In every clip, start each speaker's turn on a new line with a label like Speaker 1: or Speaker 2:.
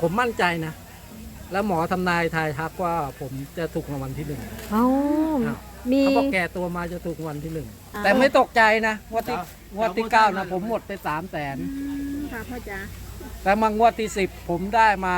Speaker 1: ผมมั่นใจนะ แล้วหมอทำนายทายทักว่าผมจะถูกรางวัลที่หนึ่ง
Speaker 2: เอ้า
Speaker 1: อ้าว
Speaker 2: มี
Speaker 1: เขาบอกแก่ตัวมาจะถูกรางวัลที่หนึ่งแต่ไม่ตกใจนะงวดที่9นะผมหมดไป300,000
Speaker 3: ค่ะพ่อจ๋า
Speaker 1: แต่มางวดที่10ผมได้มา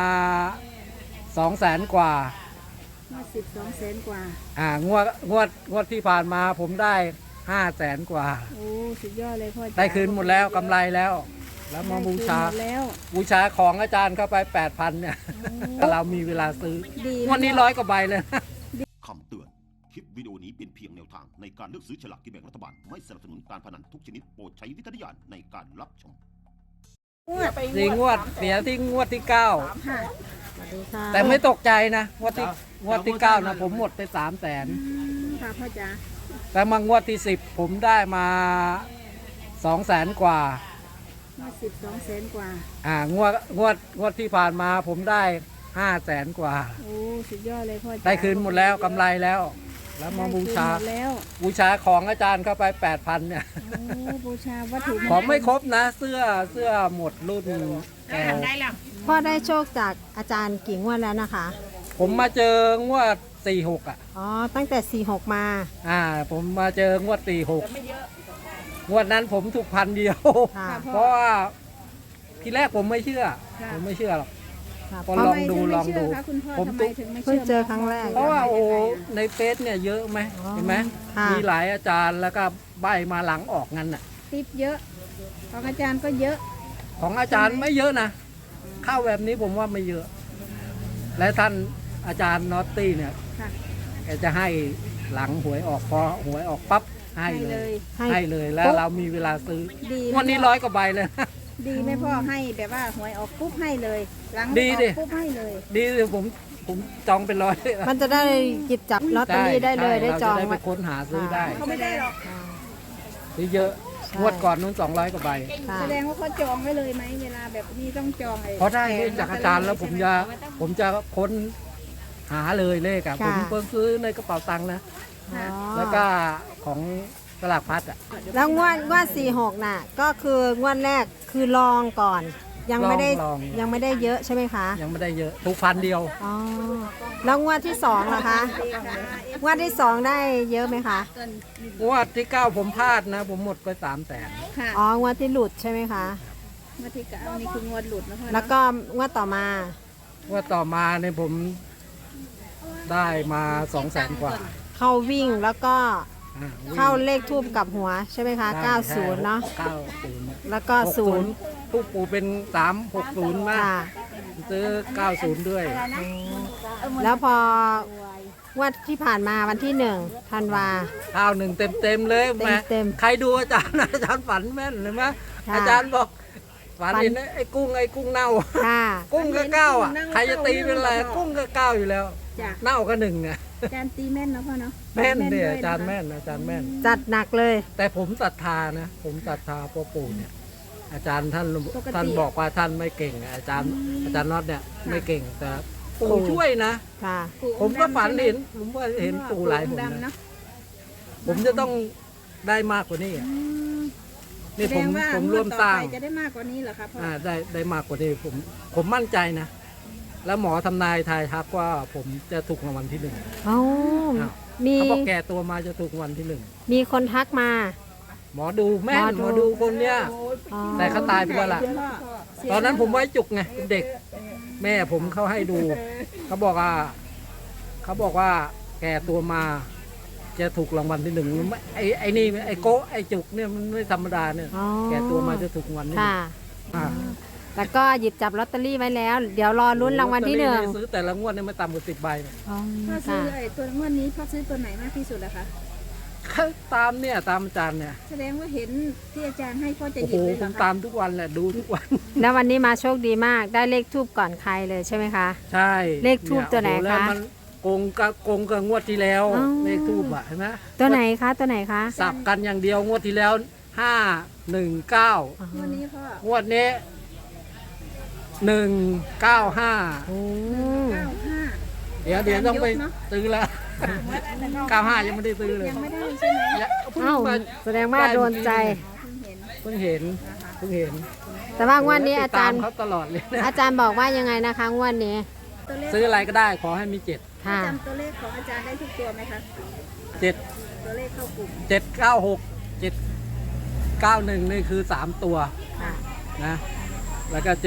Speaker 1: 200,000กว่า
Speaker 3: มา1200,000 กว่า
Speaker 1: งวดที่ผ่านมาผมได้500,000กว่า
Speaker 3: โอ้สุดยอดเลยพ่อจ๋า
Speaker 1: ได้คืนหมดแล้วกำไรแล้ว แล้วมาบูชา
Speaker 3: ได้คืนหมดแล้ว
Speaker 1: บูชาของอาจารย์เข้าไป 8,000เนี่ยเรามีเวลาซื้อ
Speaker 3: ดี
Speaker 1: วันนี้100 กว่าใบเลย
Speaker 4: คำเตือน คลิปวิดีโอนี้เป็นเพียงแนวทางในการเลือกซื้อฉลากกินแบ่งรัฐบาล ไม่สนับสนุนการพนันทุกชนิดโปรดใช้วิจารณญาณในการรับชม
Speaker 1: สี่งวดเสียที่งวดที่
Speaker 3: ค่ะ
Speaker 2: สวัสดีค่ะ
Speaker 1: 9แต่ไม่ตกใจนะงวดที่9นะผมหมดไป300,000
Speaker 3: ค่ะพ่อจ๋า
Speaker 1: แต่มางวดที่10ผมได้มา200,000กว่า
Speaker 3: มา1200,000 กว่า
Speaker 1: งวดที่ผ่านมาผมได้500,000กว่า
Speaker 3: โอ้สุดยอดเลยพ่อจ๋า
Speaker 1: ได้คืนหมดแล้วกำไรแล้ว แล้วมาบูชา
Speaker 3: ได้คืนหมดแล้ว
Speaker 1: บูชาของอาจารย์เข้าไป 8,000เนี่ย
Speaker 3: โอ้บูชาวัตถุ
Speaker 1: ของไม่ครบนะเสื้อหมดรุ่นแก้ว
Speaker 2: พ่อได้โชคจากอาจารย์กี่งวดแล้วนะคะ
Speaker 1: ผมมาเจองวด46
Speaker 2: อ๋อตั้งแต่ 46 มา
Speaker 1: ผมมาเจองวด46งวดนั้นผมถูก1,000 เดียว
Speaker 2: ค่ะ
Speaker 1: เพราะว่าทีแรกผมไม่เชื่อหรอก
Speaker 2: ค่ะ
Speaker 1: ก็ลองดู
Speaker 3: ทำไมถึไม่เชื่คะคุณพ่อ
Speaker 1: ผม
Speaker 3: ทำไมถึงไม่
Speaker 2: เพิ่
Speaker 3: เชื่
Speaker 2: งเจอครั้งแรก
Speaker 1: เพราะว่าโอ้ในเฟซเนี่ยเยอะไหม
Speaker 2: อ๋อ
Speaker 1: เห็นไหม
Speaker 2: ค่ะ
Speaker 1: มีหลายอาจารย์แล้วก็ใบมาหลังออกงั้นน่ะ
Speaker 3: ติปเยอะของอาจารย์ก็เยอะ
Speaker 1: ของอาจารย์ไม่เยอะนะเข้าแบบนี้ผมว่าไม่เยอะ และท่านอาจารย์นอตตี้เนี่ย
Speaker 3: ค่ะ
Speaker 1: แกจะให้หลังหวยออกพอหวยออกปั๊บให้เลย ให้เลยแล้วเรามีเวลาซื้อ
Speaker 3: ดี
Speaker 1: วันนี้100 กว่าใบเลย
Speaker 3: ดีไหมพ่อให้แบบว่าหวยออกปุ๊บให้เลยหลัง
Speaker 1: ดี
Speaker 3: ออก
Speaker 1: ดิ
Speaker 3: ปุ๊บให้เลย
Speaker 1: ดีเลยผมจองเป็น100
Speaker 2: มันจะได้หยิบจับลอตเตอรี่ได้เลยได้จอง
Speaker 1: เราจะได้ไป
Speaker 2: ไว้
Speaker 1: ค้นหาซื้อได้
Speaker 3: เขาไม่ได้หรอก
Speaker 1: ซื้อเยอะงวดก่อนนู้น200 กว่าใบ
Speaker 2: ค่ะ
Speaker 3: แสดงว่าเขาจองไว้เลยไหมเวลาแบบนี้ต้องจองไอ้
Speaker 1: เพราะได้เลขจากอาจารย์แล้วผมจะค้นหาเลยเลขอะผมเพิ่งซื้อในกระเป๋าตังค์นะ
Speaker 2: อ๋อ
Speaker 1: แล้วก็ของตลาดพัดอะ
Speaker 2: แล้วงวด46 น่ะ ก็คืองวดแรกคือลองก่อน ยังไม่ได้
Speaker 1: ลอง
Speaker 2: ยังไม่ได้เยอะใช่ไหมคะ
Speaker 1: ยังไม่ได้เยอะถูก1,000 เดียว
Speaker 2: อ๋อ แล้วงวดที่2ล่ะคะงวดที่2ได้เยอะไหมคะ
Speaker 1: งวดที่ 9ผมพลาดนะ ผมหมดไป300,000
Speaker 3: ค่ะ
Speaker 2: อ๋องวดที่หลุดใช่ไหมคะ
Speaker 3: งวดที่เก้านี่คืองวดหลุดนะพ่อ
Speaker 2: แล้วก็งวดต่อมา
Speaker 1: งวดต่อมาเนี่ยผมได้มา200,000 กว่า
Speaker 2: เข้าวิ่งแล้วก็
Speaker 1: อ่าวิ่ง
Speaker 2: เข้าเลขทูบกับหัวใช่ไหมคะ
Speaker 1: ได้
Speaker 2: 90 เนาะ
Speaker 1: 90
Speaker 2: แล้วก็ 0
Speaker 1: ทุกปูเป็น360 มา
Speaker 2: ค่ะ
Speaker 1: ซื้อ 90 ด้วย
Speaker 2: แล้วพองวดที่ผ่านมาวันที่1ธันวา
Speaker 1: ข้าวหนึ่งเต็มเลยแห
Speaker 2: เต็ม
Speaker 1: ใครดูอาจารย์ อาจารย์ฝันแม่นเลยไหม
Speaker 2: ค่ะ
Speaker 1: อาจารย์บอกฝัน
Speaker 2: ฝัน
Speaker 1: เห็นไอ้กุ้งเน่า
Speaker 2: ค่ะ
Speaker 1: กุ้งก็เก้าอ่ะใครจะตีเป็นอะไรกุ้งก็เก้าอยู่แล้ว
Speaker 3: จ้ะ
Speaker 1: เน่าก็หนึ่งอ่ะ
Speaker 3: อาจารย์ตีแม่นนะพ่อเนาะ
Speaker 1: แม่นเดีย
Speaker 3: ด้ว
Speaker 1: อาจารย์
Speaker 3: นะคะ
Speaker 1: แม่นอาจารย์แม่น
Speaker 2: จัดหนักเลย
Speaker 1: แต่ผมศรัทธานะ ผมศรัทธาพ่อปู่เนี่ย อาจารย์ท่านบอกว่าท่านไม่เก่งอะอาจารย์น็อตเนี่ยไม่เก่งแต่ปู่ช่วยนะ
Speaker 2: ค่ะ
Speaker 1: ผมก็ฝันเห็นผมก็เห็นปู่หลายหน
Speaker 3: ดำ
Speaker 1: นะ
Speaker 3: เนาะ
Speaker 1: ผมจะต้องได้มากกว่านี้อะนี่
Speaker 3: แส
Speaker 1: ผ
Speaker 3: ด
Speaker 1: ม
Speaker 3: งว่า
Speaker 1: ผม
Speaker 3: งว
Speaker 1: ร่ว
Speaker 3: ด
Speaker 1: ม
Speaker 3: ต่อ
Speaker 1: สร้าง
Speaker 3: ไปจะได้มากกว่านี้เหรอครับพ่อ
Speaker 1: ได้มากกว่านี้ผมมั่นใจนะ แล้วหมอทำนายทายทักว่าผมจะถูกรางวัลที่หนึ่ง
Speaker 2: เอ้า
Speaker 1: อ้าว
Speaker 2: มี
Speaker 1: เขาบอกแก่ตัวมาจะถูกรางวัลที่หนึ่ง
Speaker 2: มีคนทักมา
Speaker 1: หมอดูแม่น
Speaker 2: ห
Speaker 1: ห
Speaker 2: ม
Speaker 1: ม
Speaker 2: อ
Speaker 1: อ
Speaker 2: ดู
Speaker 1: ดูคนเนี้ย
Speaker 2: อ๋อ
Speaker 1: แต่เขาตายไปแล้วล่ะ ตอนนั้นผมไว้จุกไงเป็นเด็ก แม่ผมเขาให้ดู เขาบอกว่าแก่ตัวมา จะถูกรางวัลที่หนึ่งไม่ไอ้นี่ไอ้โก้ไอ้จุกเนี่ยมันไม่ธรรมดาเนี่ย
Speaker 2: อ๋อ
Speaker 1: แก่ตัวมาจะถูกรางวัลที่หนึ่
Speaker 2: ค่ะ
Speaker 1: งอ่า
Speaker 2: แล้วก็หยิบจับลอตเตอรี่ไว้แล้ว เดี๋ยวรอลุ้นรางวัลที่หนึ่ง
Speaker 1: ซื้อแต่ละงวดเนี่ยไม่ต่ำกว่า10 ใบนะ
Speaker 2: อ๋อ
Speaker 3: พ่อซื้
Speaker 2: ค่ะ
Speaker 3: อไอ้ตัวงวดนี้พ่อซื้อตัวไหนมากที่สุดอะคะ
Speaker 1: ตามอาจารย์เนี่ย
Speaker 3: แสดงว่าเห็นที่อาจารย์ให้พ่อจะ
Speaker 1: โอ้
Speaker 3: ห
Speaker 1: โห
Speaker 3: ยิบเลย
Speaker 1: ผ
Speaker 3: เหรอ
Speaker 1: ม
Speaker 3: คะ
Speaker 1: ตามทุกวันแหละดูทุกวัน
Speaker 2: แล้ววันนี้มาโชคดีมาก ได้เลขทูบก่อนใครเลยใช่ไหมคะ
Speaker 1: ใช่
Speaker 2: เลขทูปตัวไหน
Speaker 1: โอ้โแล้ว
Speaker 2: คะ
Speaker 1: มันโกงกับงวดที่แล้ว
Speaker 2: อ๋อ
Speaker 1: เลขทูบอะเห็นไหม
Speaker 2: ตัวไหนคะตัวไหนคะ
Speaker 1: สับกันอย่างเดียวงวดที่แล้ว519
Speaker 3: งวดนี้พ่อง
Speaker 1: วดนี้195
Speaker 2: โอ้
Speaker 3: 95
Speaker 1: เดี๋ยวต้องไปซื้อแล้ว95ยังไม่ได้ซื้อเลย
Speaker 3: ยังไม่ได้ใช่ไหม
Speaker 1: เพิ่ง
Speaker 2: เอ้า
Speaker 1: มา
Speaker 2: แสดงว่าโดนใจ
Speaker 3: เพิ่งเห็น
Speaker 1: เพิ่งเห็น
Speaker 3: นะคะ
Speaker 1: เพิ่งเห็น
Speaker 3: พ่อ
Speaker 2: แต่ว่างวดนี้อาจารย์
Speaker 1: ติดตมเขาตลอดเลยนะ
Speaker 2: อาจารย์บอกว่ายังไงนะคะงวดนี้
Speaker 3: ตัวเลข
Speaker 1: ซื้ออะไรก็ได้ขอให้มีเจ็ด
Speaker 2: ค่ะ
Speaker 3: จำตัวเลขของอาจารย์ได้ทุกตัวไหมคะ
Speaker 1: เจ็ด
Speaker 3: ตัวเลขเข้ากลุ่ม
Speaker 1: 796 791นี่คือ3ตัว
Speaker 3: ค่ะ
Speaker 1: นะแล้วก็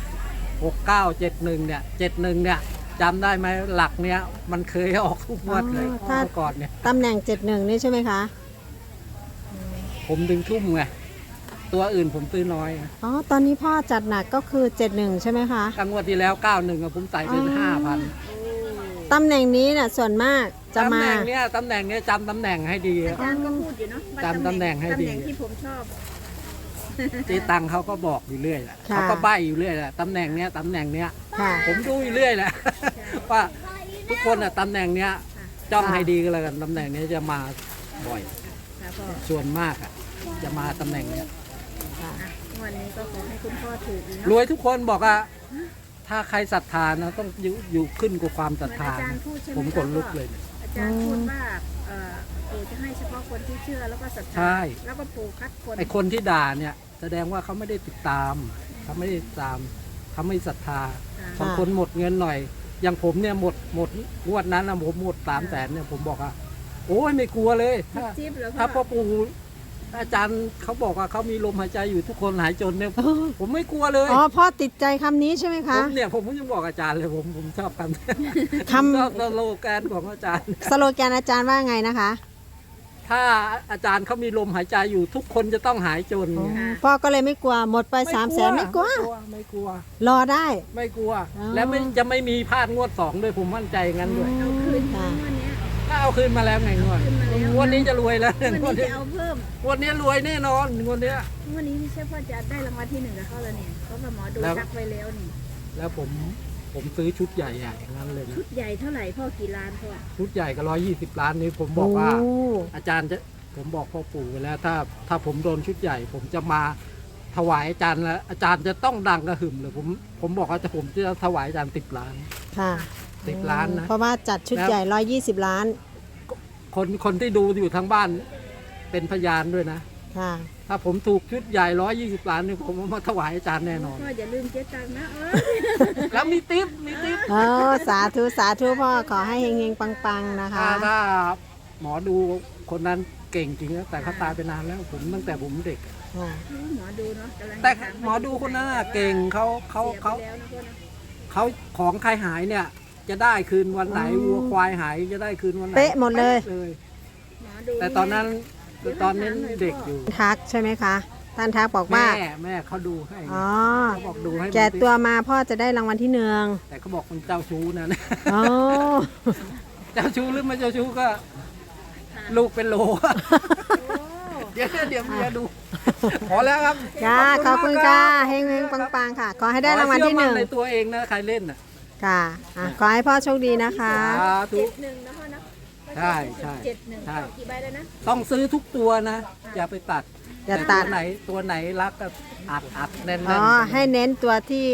Speaker 1: 76 69 71เนี่ย71เนี่ยจำได้ไหมหลักเนี้ยมันเคยออกทุกงวดเลย
Speaker 2: ถ้า
Speaker 1: เมื่อก่อนเนี่ย
Speaker 2: ตำแหน่ง 71 นี่ใช่ไหมคะ
Speaker 1: ผมดึงทุ่มไงตัวอื่นผมซื้อน้อยไง
Speaker 2: อ๋อ ตอนนี้พ่อจัดหนักก็คือ 71 ใช่ไหมคะ
Speaker 1: ครั้งงวดที่แล้ว 91อะผมใส่เป็น
Speaker 2: อ๋อ
Speaker 1: 5,000
Speaker 2: ตำแหน่งนี้น่ะส่วนมากจะ
Speaker 1: ตำ
Speaker 2: มา
Speaker 1: แหน่งเนี้ยตำแหน่งเนี้ยจำตำแหน่งให้ดี
Speaker 3: อาจารย์ก็พูดอยู่เนาะว่า
Speaker 1: จำตำแหน่งให้ดี
Speaker 3: ตำแหน่งที่ผมชอบ
Speaker 1: เจ๊ตังเขาก็บอกอยู่เรื่อยแหละ
Speaker 2: ค่ะ
Speaker 1: เขาก็ใบ้อยู่เรื่อยแหละตำแหน่งเนี้ยตำแหน่งเนี้ย
Speaker 2: ค่ะ
Speaker 1: ผมดูอยู่เรื่อยแหละ ว่าทุกคนอะตำแหน่งเนี้ยจ้องให้ดีก็แล้วกันตำแหน่งเนี้ยจะมาบ่อย
Speaker 3: ค่ะพ่อ
Speaker 1: ส่วนมากอะจะมาตำแหน่งเนี้ย
Speaker 3: อ่ะวันนี้ก็ขอให้คุณพ่อถูกอีก
Speaker 1: ร
Speaker 3: เนาะ
Speaker 1: วยทุกคนบอกว่าถ้าใครศรัทธานะต้องอยู่ขึ้นกับความศรัทธา
Speaker 3: เหมือนอาจารย์พูดใช่ไหม
Speaker 1: ผมขนลุกเลย
Speaker 3: อาจารย์พูดว่าปู่จะให้เฉพาะคนที่เชื่อแล้วก็ศรัทธา
Speaker 1: ใช่
Speaker 3: แล้วก็ปู่คัดคน
Speaker 1: ไอคนที่ด่าเนี่ยแสดงว่าเขาไม่ได้ติดตามเขาไม่ได้ติดตามเขาไม่ศรัทธา
Speaker 3: ค่ะ
Speaker 1: บางคนหมดเงินหน่อย อย่างผมเนี่ยหมดงวดนั้นนะผมหมด300,000เนี่ยผมบอกว่าโอ้ยไม่กลัวเลยถ้า
Speaker 3: จิ๊บเหรอ
Speaker 1: ถ้า
Speaker 3: พ่
Speaker 1: พ่
Speaker 3: อ
Speaker 1: อปู่อาจารย์เขาบอกว่าเขามีลมหายใจอยู่ทุกคนหายจนเนี่ยผมไม่กลัวเลย
Speaker 2: อ๋อ พ่อติดใจคำนี้ใช่ไหม
Speaker 1: ผ
Speaker 2: คะ
Speaker 1: มเนี่ยผมยังบอกอาจารย์เลยผมชอบคำ
Speaker 2: คำ
Speaker 1: ชอบสโลแกนของอาจารย์
Speaker 2: สโลแกนอาจารย์ว่าไงนะคะ
Speaker 1: ถ้าอาจารย์เขามีลมหายใจอยู่ทุกคนจะต้องหายจน
Speaker 2: อ๋อ
Speaker 1: ไง
Speaker 2: พ่อก็เลยไม่กลัว หมดไป300,000ไม่กลัว
Speaker 1: ไม่กลัว
Speaker 2: รอได้
Speaker 1: ไม่กลัว
Speaker 2: อ๋อ
Speaker 1: แล้วจะไม่มีพลาดงวด2ด้วยผมมั่นใจงั้นด้วย
Speaker 3: เอาคืน
Speaker 2: ค่ะ
Speaker 3: วันนี้
Speaker 1: ถ้าเอาคืนมาแล้วไงงวด
Speaker 3: คืนมาแล้ว
Speaker 1: งวดนี้จะรวยแล้ว
Speaker 3: วัน
Speaker 1: งวด
Speaker 3: นี้
Speaker 1: นี้
Speaker 3: จะเอาเพิ่ม
Speaker 1: งวดนี้รวยแน่นอนงวดเนี้ย
Speaker 3: วันนี้ไม่ใช่พ่อจะได้รางวัลที่1กับเขาแล้วเนี่ยเพราะว่าหมอดู
Speaker 1: แล้ว
Speaker 3: ทักไว้แล้วนี่
Speaker 1: แล้วผมซื้อชุดใหญ่ๆอย่างนั้นเลยนะ
Speaker 3: ชุดใหญ่เท่าไหร่พ่อกี่ล้านพ่อ
Speaker 1: ชุดใหญ่ก็120 ล้านนี้ผมบอกว่า
Speaker 2: โอ้
Speaker 1: อาจารย์จะผมบอกพ่อปู่ไว้แล้วถ้าผมโดนชุดใหญ่ ผมจะมาถวายอาจารย์แล้วอาจารย์จะต้องดังกระหึ่มเลยผมบอกว่าผมจะถวายอาจารย์10 ล้าน
Speaker 2: ค่ะ
Speaker 1: 10 ล้านนะ
Speaker 2: เพราะว่าจัดชุด
Speaker 1: แล้ว
Speaker 2: ใหญ่120 ล้าน
Speaker 1: คนที่ดูอยู่ทางบ้านเป็นพยานด้วยนะ
Speaker 2: ค่ะ
Speaker 1: ถ้าผมถูกชุดใหญ่120 ล้านนี่ผมเอามาถวายอาจารย์แน่นอน
Speaker 3: พ่ออย่าลืมเจ๊ตังค์นะ
Speaker 1: แล้วมีติ๊บ
Speaker 2: โอ้ สาธุ สาธุพ่อ ขอให้เฮงๆ ปังๆ นะคะ
Speaker 1: ถ้าหมอดูคนนั้นเก่งจริงนะแต่เขาตายไปนานแล้วผมตั้งแต่ผมเด็ก
Speaker 2: ค่ะ
Speaker 3: หมอดูเนาะกำลัง
Speaker 1: แต่
Speaker 3: ถา
Speaker 1: หมอดูคนนั้นน่ะเก่งเขา
Speaker 3: เสียไปแล้วนะพ่อนะ
Speaker 1: เขาของใครหายเนี่ย จะได้คืนวันไหน
Speaker 2: อ๋อ
Speaker 1: วัวควายหายจะได้คืนวันไหน
Speaker 2: เป๊ะหมดเลย
Speaker 1: ป๊ะ
Speaker 3: หมอดู
Speaker 1: แต่ตอนนั้นเด็กอยู่
Speaker 2: ทักใช่ไหมคะ ท่านทักบอกว่า
Speaker 1: แม่เขาดูให้
Speaker 2: อ๋อ
Speaker 1: เขาบอกดูให้
Speaker 2: แก่ตัวมาพ่อจะได้รางวัลที่1
Speaker 1: แต่เขาบอกมันเจ้าชู้นะ
Speaker 2: อ๋อ
Speaker 1: เจ้าชู้หรือไม่เจ้าชู้ก็ลูกเป็นโล
Speaker 3: โอ้
Speaker 1: เดี๋ยวเมียดู พอแล้วครับ
Speaker 2: จ้า ขอบคุณค่ะ เฮงๆ ปังๆ ค่ะ ขอให้ได้รางวัลที่
Speaker 1: ขอให้เชื่อมั่นในตัวเองนะใครเล่นน่ะ
Speaker 2: 1 ค่ะอ่ะ ขอให้พ่อโชคดีนะคะ
Speaker 1: สาธุ
Speaker 3: 71นะพ่อนะ
Speaker 1: ใช่
Speaker 3: 71พ่อกี่ใบแล้วนะ
Speaker 1: ต้องซื้อทุกตัวนะ อย่าไปตัด
Speaker 2: อย่าตัด
Speaker 1: แต่ตัวไหนรักก็อัดแน่น
Speaker 2: อ๋อ ให้เน้นตัวที่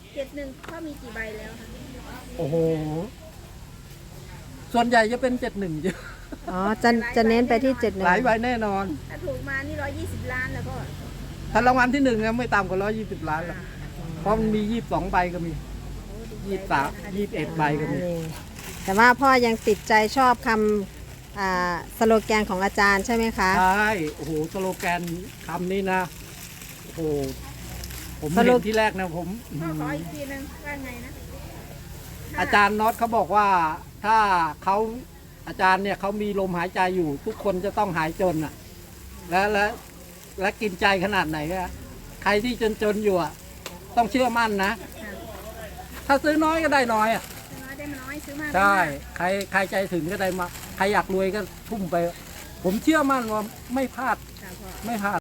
Speaker 3: 71พ่อมีกี่ใบแล้วคะ
Speaker 1: โอ้โห ส่วนใหญ่จะเป็น71เยอะ
Speaker 2: อ๋อ จะเน้นไปที่71
Speaker 1: หลายใบแน่นอน
Speaker 3: ถ้าถูกมานี่120 ล้านแล้วพ่อ
Speaker 1: ถ้ารางวัลที่1นะไม่ต่ำกว่า120 ล้านหรอกเพราะมันมี22ใบก็มี23 21ใบก็มี
Speaker 2: นี่แต่ว่าพ่อยังติดใจชอบคำสโลแกนของอาจารย์ใช่ไหมคะ
Speaker 1: ใช่ โอ้โห สโลแกนคำนี้นะ โอ้โห ผม
Speaker 2: สโล
Speaker 1: เห็นที่แรกนะผม
Speaker 3: พ่อขออีกทีนึงว่าไงนะ
Speaker 1: อาจารย์น็อตเขาบอกว่าถ้าเขาอาจารย์เนี่ยเขามีลมหายใจอยู่ ทุกคนจะต้องหายจนอ่ะ และกินใจขนาดไหนอะใครที่จนอยู่อ่ะต้องเชื่อมั่นนะ ถ้าซื้อน้อยก็ได้น้อยอ่ะ
Speaker 3: น้อยได้มาน้อยซื้อมาก
Speaker 1: ใช่ ใครใจถึงก็ได้มา ใครอยากรวยก็ทุ่มไป ผมเชื่อมั่นว่าไม่พลาด
Speaker 3: ค่ะพ่อ
Speaker 1: ไม่พลาด